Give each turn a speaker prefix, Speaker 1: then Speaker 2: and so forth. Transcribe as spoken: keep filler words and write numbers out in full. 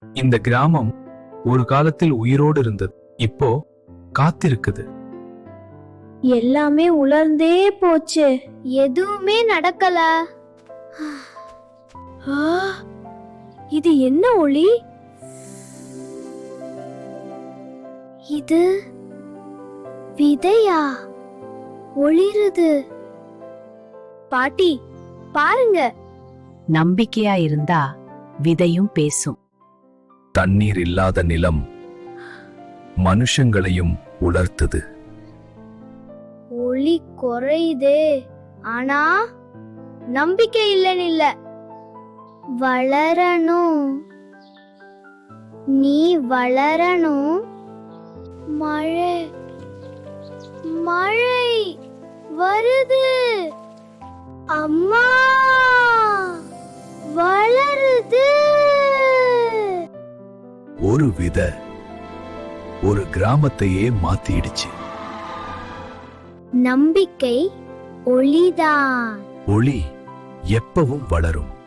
Speaker 1: இந்த கிராமம் ஒரு காலத்தில் உயிரோடு இருந்தது, இப்போ காத்திருக்குது.
Speaker 2: எல்லாமே உலர்ந்தே போச்சு, எதுவுமே நடக்கல. ஆ, இது என்ன ஒளி? இது விதையா? ஒளிருது. பாட்டி பாருங்க.
Speaker 3: நம்பிக்கையா இருந்தா விதையும் பேசும்.
Speaker 1: தண்ணீர் இல்லாத நிலம் மனுஷங்களையும் உலர்த்துது.
Speaker 2: ஒளி குறையுதே, ஆனா நம்பிக்கை இல்லைன்னு இல்ல. வளரணும், நீ வளரணும். மழை மழை வருது. அம்மா வளருது.
Speaker 1: ஒரு விதை ஒரு கிராமத்தையே மாத்திடுச்சு.
Speaker 2: நம்பிக்கை ஒளிதான்.
Speaker 1: ஒளி எப்பவும் வளரும்.